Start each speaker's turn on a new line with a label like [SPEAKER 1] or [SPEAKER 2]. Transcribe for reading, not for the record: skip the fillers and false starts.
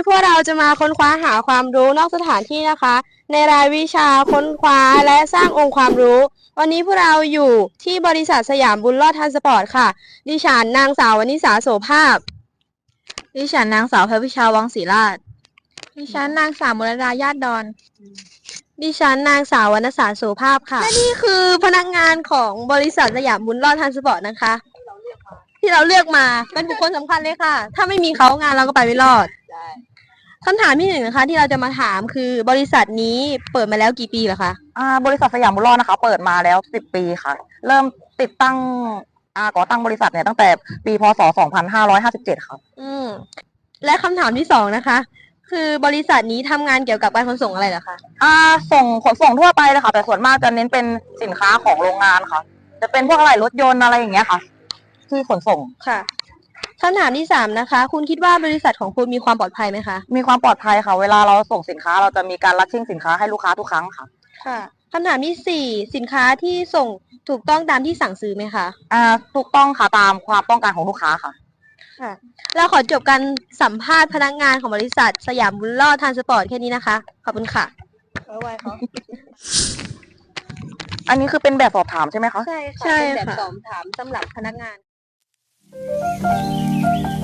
[SPEAKER 1] พวกเราจะมาค้นคว้าหาความรู้นอกสถานที่นะคะ ในรายวิชาค้นคว้าและสร้างองค์ความรู้ วันนี้พวกเราอยู่ที่บริษัทสยามบุญรอดทรานสปอร์ตค่ะ ดิฉันนางสาววนิษาโสภาพ ดิฉันนางสาวเพชรวิชาวังศรีราช ดิฉันนางสาวมรดาญาติดอน ดิฉันนางสาววรรณสารโสภาพค่ะ และนี่คือพนักงานของบริษัทสยามบุญรอดทรานสปอร์ตนะคะ ที่เราเลือกมาเป็นบุคคลสำคัญเลยค่ะ ถ้าไม่มีเขางานเราก็ไปไม่รอดคำถามที่หนึ่งนะคะ ที่เราจะมาถามคือบริษัทนี้เปิดมาแล้วกี่ปีแล้วคะ
[SPEAKER 2] บริษัทสยามบุญรอดนะคะเปิดมาแล้ว10 ปีค่ะเริ่มติดตั้งก่อตั้งบริษัทเนี่ยตั้งแต่ปีพศ2557ค่ะ
[SPEAKER 1] และคำถามที่สองนะคะ คือบริษัทนี้ทำงานเกี่ยวกับการขนส่งอะไรเหรอคะ
[SPEAKER 2] ขนส่งทั่วไปเลยค่ะแต่ส่วนมากจะเน้นเป็นสินค้าของโรงงานค่ะจะเป็นพวกอะไหล่รถยนต์อะไรอย่างเงี้ยค่ะที่ขนส่ง
[SPEAKER 1] ค่ะคำถามที่สามนะคะ คุณคิดว่าบริษัทของคุณมีความปลอดภัยไหมคะ
[SPEAKER 2] มีความปลอดภัยค่ะเวลาเราส่งสินค้าเราจะมีการรัดชิ่งสินค้าให้ลูกค้าทุกครั้งค่ะ
[SPEAKER 1] ค่ะคำถามที่สี่สินค้าที่ส่งถูกต้องตามที่สั่งซื้อไหมคะ
[SPEAKER 2] ถูกต้องค่ะตามความต้องการของลูกค้าค่ะ
[SPEAKER 1] ค่ะเราขอจบการสัมภาษณ์พนักงานของบริษัทสยามบุญรอดทรานสปอร์ตแค่นี้นะคะขอบคุณค่ะ
[SPEAKER 2] อันนี้คือเป็นแบบสอบถามใช่ไหมคะ
[SPEAKER 1] ใช่ค่ะเป็นแบบสอบถามสำหรับพนักงาน